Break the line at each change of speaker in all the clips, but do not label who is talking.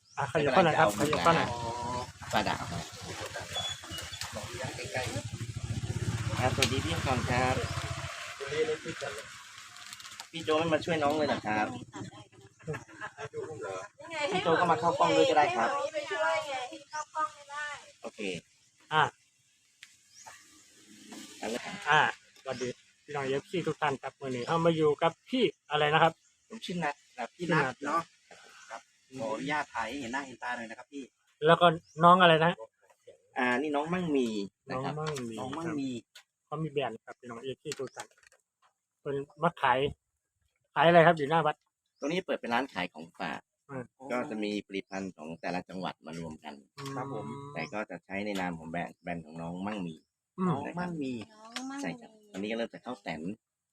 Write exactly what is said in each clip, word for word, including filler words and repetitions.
อ่ะขยับเข้าหน่อยครับขยับเข้าหน่อย
ปลาดาวครับสวัสดีพี่ก่อนครับพี่โจไม่มาช่วยน้องเลยเหรอครับพี่โจก็มาเข้ากล้องด้วยก็ได้ครับโอเค
อ่าอ่าสวัสดีพี่น้องเอฟซีทุกท่านครับวันนี้เข้ามาอยู่กับพี่อะไรนะครับ
ผมชื่อนัทครับ
พี่นัทเนาะครับขออนุญาตถ่ายให้เห็นหน้าเห็นตาหน่อยนะครับพี่
แล้วก็น้องอะไรนะ
อ่านี่น้องมั่งมี
น้องมั่งมี
น้องมั่งมี
เขามีแบรนด์ครับพี่น้องเอฟซีทุกท่านเป็นมาขายขายอะไรครับอยู่หน้าวัด
ตรงนี้เปิดเป็นร้านขายของฝากก็จะมีผลิตภัณฑ์ของแต่ละจังหวัดมารวมกัน
ครับผม
แต่ก็จะใช้ในนามของแบรนด์แบรนด์ของน้องมั่งมี
น้องมั่งมี
ใช่ครับตอนนี้ก็เริ่มจะเข้าแสน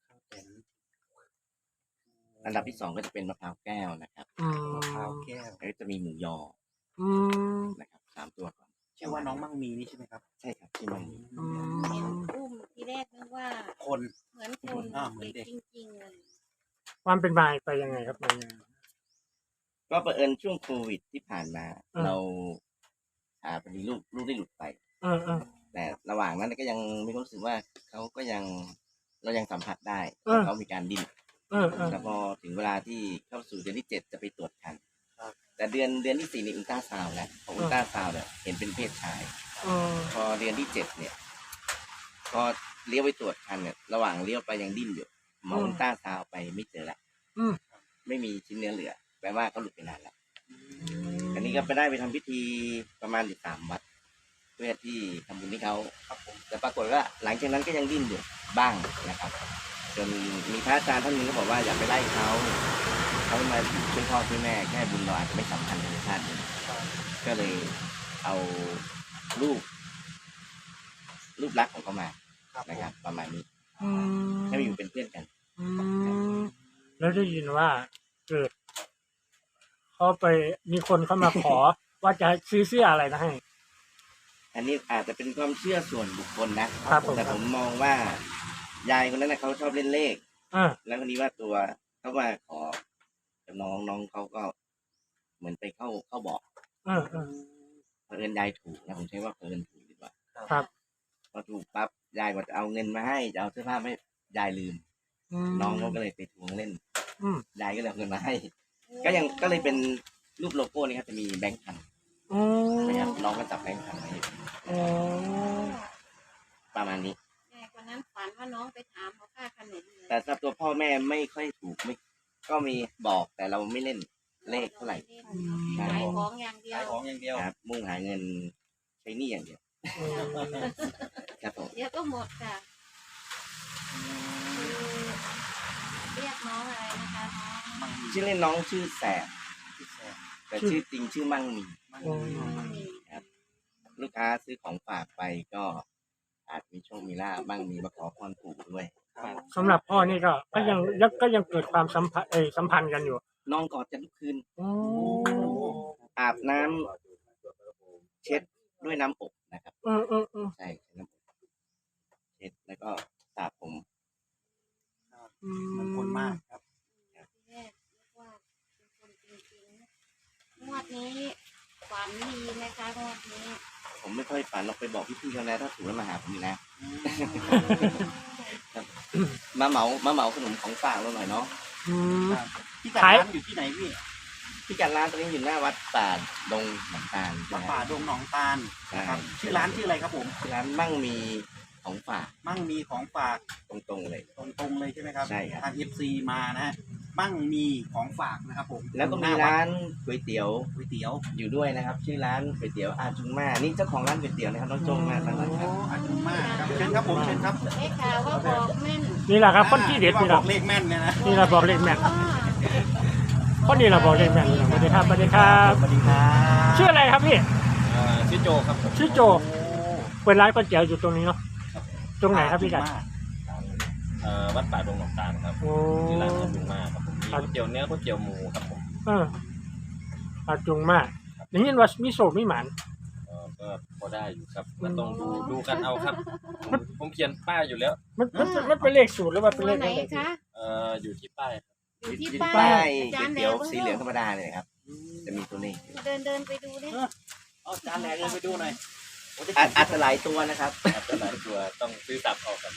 อันดับที่สองก็จะเป็นมะพร้าวแก้วนะครับ
มะพร้าวแก้ว
แล้วจะมีหมูยอนะครับสามตัวก่อน
ชื่อว่าน้องมั่งมีนี่ใช่ไหมครับ
ใช่ครับที่มั่งมี
เห็นอุ้มที่แรกนึกว่า
คน
เหมือนคนเหมือนเด็กจริงๆเลย
ความเป็นมาไปยังไงครับมา
ก็เผอิญช่วงโควิดที่ผ่านมาเราอ่าพอดีลูกลูกได้หลุดไปแต่ระหว่างนั้นก็ยังมีความรู้สึกว่าเขาก็ยังเรายังสัมผัสได้เขามีการดิ้นแต่พอถึงเวลาที่เข้าสู่เดือนที่เจ็ดจะไปตรวจคันแต่เดือนเดือนที่สี่นี่อุลตราซาวด์แล้วพออุลตราซาวด์เนี่ยเห็นเป็นเพศชายพอเดือนที่เจ็ดเนี่ยพอเลี้ยวไปตรวจคันเนี่ยระหว่างเลี้ยวไปยังดิ้นอยู่หมออุลตราซาวด์ไปไม่เจอละไม่มีชิ้นเนื้อเหลือแปลว่าเขาหลุดไปนานแล้วอันนี้ก็ไปได้ไปทำพิธีประมาณอยู่สามวัดเพื่อที่ทำบุญให้เขาแต่ปรากฏว่าหลังจากนั้นก็ยังดิ้นอยู่บ้างนะครับจนมีพระอาจารย์ท่านนึงก็บอกว่าอย่าไปไล่เขาเขามาอยู่ช่วยพ่อช่วยแม่แค่บุญเราอาจจะไม่สำคัญในชาตินี้ก็เลยเอารูปรูปลักษณ์ของเขามานะครับประมาณนี้ให้มาอยู่เป็นเพื่อนกัน
แล้วได้ยินว่าเกิดเขาไปมีคนเข้ามาขอว่าจะซื้อเสื้ออะไรนะให้
อันนี้อาจจะเป็นความเชื่อส่วนบุคคลนะครับแต่ผมมองว่ายายคนนั้นนะเขาชอบเล่นเลขแล้วคนนี้ว่าตัวเขาว่าขอน้องน้องเขาก็เหมือนไปเข้าเข้าบอก
เออเออ
เพิ่นยายถูกนะผมใช้ว่าเพิ่นถูกดีกว่า
ครับ
พอถูกปั๊บยายก็จะเอาเงินมาให้จะเอาเสื้อผ้าให้ยายลืมน้องเขาก็เลยไปทวงเล่นยายก็เลยเอาเงินมาให้ก็ยังก็เลยเป็นรูปโลโก้นี่ครับจะมีแบงค์พันนะครับน้องก็จับแบงค์พันไว้ประมาณนี้
วันนั้นฝันว่าน้องไปถามเขาค่าขนม
แต่สำหรับตัวพ่อแม่ไม่ค่อยถูกไม่ก็มีบอกแต่เราไม่เล่นเลขเท่าไหร่
ขายของอย่างเดียว
ขายของอย่างเดียว
ครับมุ่งหาเงินใช้หนี้อย่างเดียวครับผม
เดี๋ยวก็หมดค่ะเรียกน้องอะไรนะคะน้อง
ชื่อเล่นน้องชื่อแสบแต่ชื่อจริงชื่อมั่งมีครับลูกค้าซื้อของฝากไปก็อาจมีโชคมีลาภมั่งมีมาขอพรปู่ด้วย
สำหรับพ่อนี่ก็ก็ยังก็ยังเกิดความสัมพันธ์เอสัมพันธ์กันอยู่
นอนกอดกันทุกคืนอาบน้ำเช็ดด้วยน้ำอบนะครับ
เออเออเออ
ใช่น้ำอบเช็ดแล้วก็สระผม
มันคนมากครับ
แรกว่าเป็นคนจริงๆงวดนี้ฝันดีไหมคะงวดนี้
ผมไม่ค่อยฝันเราไปบอกพี่ๆเขาแล้วถ้าถูกแล้วมาหาผมอีกนะมาเหมามาเหมาขนมของฝากเราหน่อยเนาะ
พี่กัดร้านอยู่ที่ไหนพี่
พี่กัดร้านตรงนี้อยู่หน้าวัดป่าดงหนองตาล
วัดป่าดงหนองตาลนะครับชื่อร้านชื่ออะไรครับผม
ชื่อร้านมั่งมีของฝาก
มั่งมีของฝาก
ตรงๆเลย
ตรงๆเลยใช่ไหมครับ
ใช่ครับ
ทาง เอฟ ซี มานะฮะมั่งมีของฝากนะครับผม
แล้วก็มีร้านก๋วยเตี๋ยว
ก๋วยเตี๋ยว
อยู่ด้วยนะครับชื่อร้านก๋วยเตี๋ยวอาจุงมานี่เจ้าของร้านก๋วยเตี๋ยวนะครับน้องโจงมาตั้งแต่ครับ
อาจุงมาครับเชิญครับผมเชิญครับ
เอ๊ะข่าวว่าบอกแม่น
นี่แหละครับคนที่เด็ดนี่แหละ
บอกเลขแม่นเนี่ยนะ
นี่แหละบอกเลขแม่นคนนี้แหละบอกเลขแม่นสวัสดีครับสวัสดีครับ
สวัสดีครับ
ชื่ออะไรครับพี่
ชื่อโจครับ
ชื่อโจเปิดร้านก๋วยเตี๋ยวอยู่ตรงนี้เนาะตรงไหนครับพี่กัด
วัดป่าดงหนองตาลครับที่ร้านอาจุงมาครับผมมีก๋วยเตี๋ยวเนื้อก๋วยเตี๋ยวหมูครับผม
เอออาจุงมาอย่างนี้ว่ามีโศกมีหมัน
ก็พอได้อยู่ครับมันต้องดูดูกันเอาครับผมเขียนป้ายอยู่แล้ว
มันมันมันเป็นเลขสูตรหรือว่าเป็นเลขอะไร
เอ่ออยู่ที่ป้าย
อยู่ที่ป้ายก๋วยเตี๋ยวสีเหลืองธรรมดาเลยครับจะมีตัวเลขอยู่
เดินเดินไปดูดิ
เอาจานแหลกเลยไปดูหน่อยโอ้จะ
อาจอาจจะหลายตัวนะครับ
ครับแต่หลายตัวต้องซื้อสับออกครับ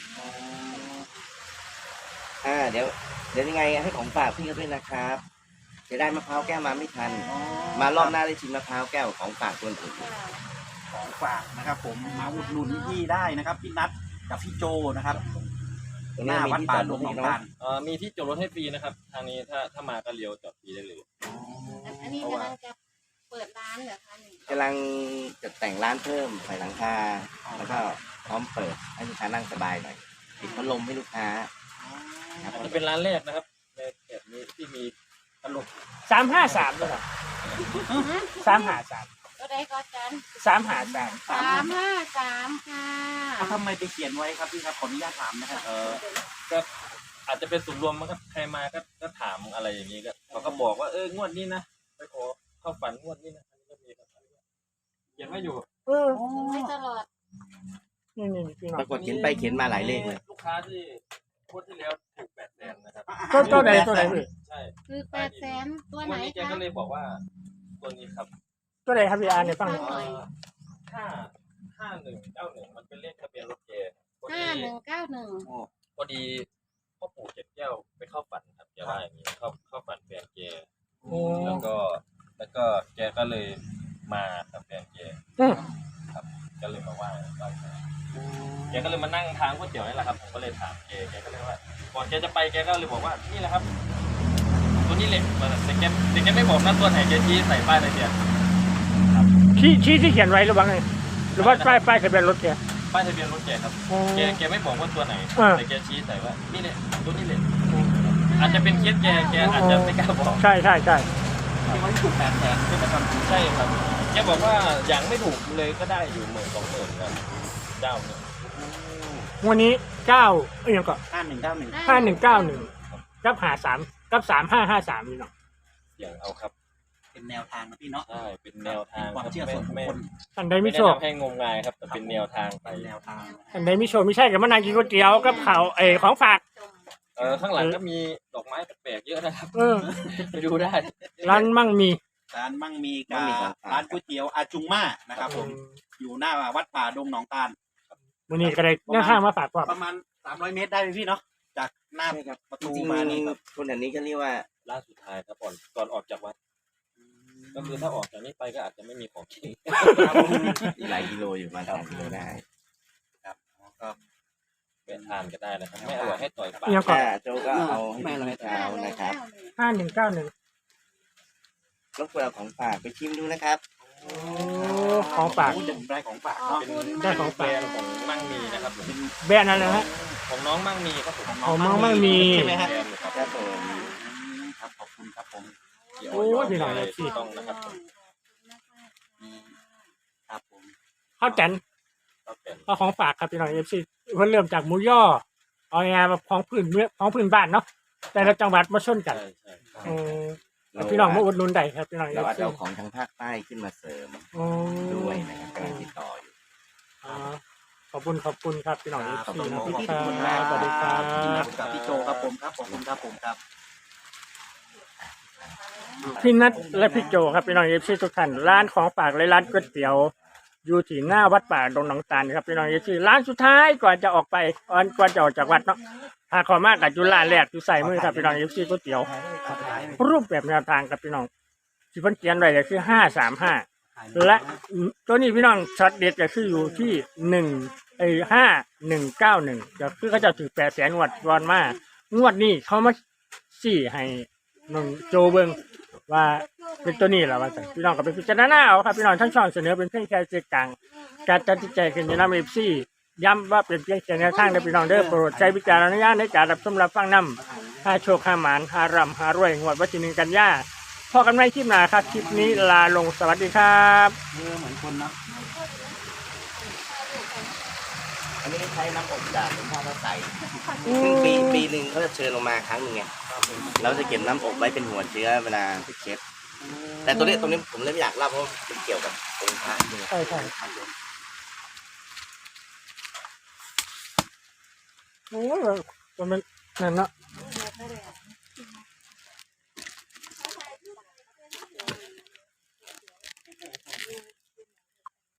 อ่าเดี๋ยวเดี๋ยวยังไงให้ของฝากพี่เขาด้วยนะครับจะได้มะพร้าวแก้วมาไม่ทัน มารอบหน้าได้ชิมมะพร้าวแก้วของฝากตัวอื่น
ของฝากนะครับ ผมมาอุดหนุนพี่ได้นะครับพี่นัทกับพี่โจนะครับ
ตรง
ห
นี้
น้า
มี
วัด
ที่
ป่า
จอด
ด
รง ถ
หน
ให้
อง
เนาะ
ตาล
เอ่อมีที่จอดรถให้ฟรีนะครับทางนี้ถ้าถ้ามาก็เลี้ยวจอดฟรีได้เลย
อันนี้กำลังจะเปิดร้านเหรอคะนี่
กำลังจะแต่งร้านเพิ่มใส่หลังคาแล้วก็พร้อมเปิดให้ลูกค้านั่งสบายหน่อยติดพัดลมให้ลูกค้าครับ
อาจจะเป็นร้านแรกนะครับในแบบนี้ที่มีตลก
สามห้าสามด้วยเหรอสามห้าสาม
ก็ได้ก็จัน
สามห้าสาม
สามห้าสามค่ะ
เอาทำไมไปเขียนไว้ครับพี่ครับขออนุญาตถามนะครับ
เอ่อก็อาจจะเป็นสุ่มรวมมั้งครับใครมาก็ก็ถามอะไรอย่างนี้ก็เขาก็บอกว่าเอองวดนี้นะไปขอเข้าฝันงวดนี้นะอันนี้ก็มีครับเขียนไว้อยู่
เออ
ไม่ตลอด
นี่นี่นี่พี่น้อ
ป
ง
รากฏเขียนไปเขียนมาหลายเลขเลย
ลูกค้าที่งวดที่แล้วถูกแปดแสนนะครับ
ก็ตัวไหนตัวไหนพี่
ใช่
คือแปดแสนตัว
ง
ไหน
วดนี้แก
คะ
ก็เลยบอกว่าตัวนี้ครับ
ตัวไหนครับพี่อาร์เนี่ยฟังหน่อย
เอ่อห้าห้าหนึ่งเก้าหนึ่งมันเป็นเลขทะเบียนรถแกพอ
ห้า
ดี
หนึ่งเก้าหนึ่ง
พอดีพ่อปู่เจ็ดแก้วไปเข้าฝันครับแกว่าอย่างนี้เข้าเข้าฝันแฟนแก
โอ้
แล้วก็แล้วก็แกก็เลยมากับแฟนแก
อืม
ครับก็เลยมาไหว้ไหว้แกแกก็เลยมานั่งทานก๋วยเตี๋ยวนี่แหละครับผมก็เลยถามแกแกก็เลยว่าก่อนแกจะไปแกก็เลยบอกว่านี่แหละครับ ตัวนี้เหล็กแต่แกแต่แกไม่บอกนะตัวไหนแกชี้ใส่ป้ายทะเบียน
ชี้ชี้ที่เขียนไว้หรือว่าไงหรือว่าป้ายป้ายทะเบียนรถแก
ป้ายทะเบียนรถแกครับ
อ๋อ
แกแกไม่บอกว่าตัวไหน
อ่า
แต่แกชี้ใส่ว่านี่แหละตัวนี้เหล็กอาจจะเป็นเคสแกแกอาจจะไม่กล้าบอก
ใช่ใช่ใช่
ที่ว่าถูกแปดแสนใช่ไหมครับ
ใช่ครับแกบอกว่าอย่างไม่ถูกเลยก็ได้อยู่หมื่นสองหมื่นครับเจ้าเนี่ย
วันนี้เก้าเอ้ยยังก็
ห้าหนึ่งเก้าหนึ่ง
ห้าหนึ่งเก้าหนึ่งกับหาสามกับสามห้าห้าสามนี่เนาะ
เสียงเอาครับ
เป็นแนวทางนะพี่เนาะ
ใช่เป็นแนวทาง
เป็นความเชื่อส่วนบุค
ไม่
คล
อันใด
ไม่
ไม่
ได้
โชค
ทำให้งมงายครับแต่เป็นแนวทางไป
เป็นแนวทาง
อันใดไม่โชคไม่ใช่กับมานางกินก๋วยเตี๋ยวกับข้าวเออของฝาก
เออข้างหลังก็มีดอกไม้แปลกๆเยอะนะครับ
เออ
ไปดูได้
ร้านมั่งมี
ร้านมั่งมี
มั่
กาง
มีครับ
ร้านก๋วยเตี๋ยวอาจุงมานะครับผมอยู่หน้าวัดป่าดงหนองตาล
วันนี้ก็ได้แนวข้างมาฝากว่า
ประมาณสามร้อยเมตรได้ไหมพี่เนาะจากหน้า
ใช่ครับ
ประ
จ
ตู
ริง
มานี่ครับ
ๆคนแถวนี้ก็เรียกว่า
ล่าสุดท้ายครับก่อนก่อนออกจากวัดก็คือถ้าออกจากนี้ไปก็อาจจะไม่มีของกิน
หลายกิโลอยู่ประมาณสามกิโลได้
ครับก็
ไปทานก็ได้นะครับไม่อร่อยให้ต่อยปาก
ยังก่อน
อ่าโจก็เอาให้พี่เช้านะครับ
ห้าหนึ่งเก้าหนึ่ง
รบกวนเอาของฝากไปชิมดูนะครับ
โอ้ของฝาก
โอ้จะได้ของฝาก
ขอบ
เนาะ
คุณ
ได้
มาก
ของ
แบรนด์ของมั่งมีนะครับผม
แบรนด์อะไรนะฮะ
ของน้องมั่งมีครับผม
ของน้องมั่งมี
ใช่ไหมฮะ
แบรนด์ครับ
ครับผม
ครับขอบคุณครับผม
ที่
โอ้ยพี่น้อง
เล
เลย ย
ถูกต้องนะครับผม
อืมครับผม
ข้าวแตน
ก็เป็น
ก็ของฝากครับพี่น้องเอฟซีเพิ่นเริ่มจากหมูย่อเอางานมาของพื้นเมืองของพื้นบ้านเนาะแต่ละจังหวัดมาชนกัน
ใช่ใช่
เออแล้วพี่น้องมาอุดหนุนได้ครับพี่น้องเอ
เรา
ฟ
อาจ
ซี
จะเอาของทางภาคใต้ขึ้นมาเสริมด้วยนะครับกำลังติดต่ออยู่
ขอบคุณขอบคุณครับพี่น้องเอฟ
ขอบ
ซี
คุณ
นะ
พี่
ค
ทุก
รั
คนครับ
บสวัสดีครับ
กับพี่โจครับผมครับขอบคุณครับผมครับ
พี่นัทและพี่โจครับพี่น้องเอฟซีทุกท่านร้านของฝากและร้านก๋วยเตี๋ยวอยู่ที่หน้าวัดป่าดงหนองตาลครับพี่น้องเอฟซีร้านสุดท้ายก่อนจะออกไปก่อนจะออกจากวัดเนาะถ้าขอมากกับจุฬาแรกอยู่ใส่มือครับพี่น้องเอฟซีก๋วยเตี๋ยว รูปแบบแนวทางกับพี่น้องที่เพิ่นเขียนไว้ก็คือห้าสามห้าและตัวนี้พี่น้องช็อตเด็ดก็คืออยู่ที่หนึ่งไอ้ห้าหนึ่งเก้าหนึ่งก็คือเขาจะถือแปดแสนงวดก่อนมางวดนี้เขามาสี่ให้น้องโจเบิงว่าเป็นตัวนี้แหละว่าซั่นพี่น้องก็ไปพิจารณาเอาครับพี่น้องทั้งช่องเสนอเป็นเพียงแค่สื่อกลางการตัดสินใจขึ้นอยู่นำเอฟซีย้ำว่าเป็นเพียงแค่แนวทางเด้อพี่น้องเด้อโปรดใช้วิจารณญาณในการรับชมรับฟังนำ ห้าโชคห้าหมานห้าร่ำห้ารวยงวดวันที่หนึ่งกันยาพอกันไม่คลิปหน้าครับคลิปนี้ลาลงสวัสดีครับ
เออเหมือนคนเนาะ
อันนี้ใช้น้ำอบจากหลวงพ่อพระไตรซึ่งปีปีหนึ่งเขาจะเชิญลงมาครั้งหนึ่งไงเราจะเก็บน้ำอบไว้เป็นหัวเชื้อเวลาไปเช็ดแต่ตัวนี้ตรงนี้ผมเลยไม่อยากเล่าเพราะมันเกี่ยวกับองค์พระด้วย
ใช่ใช่โอ้ยมันนั่นเนาะ
เดี๋ยวก็เดี๋ยว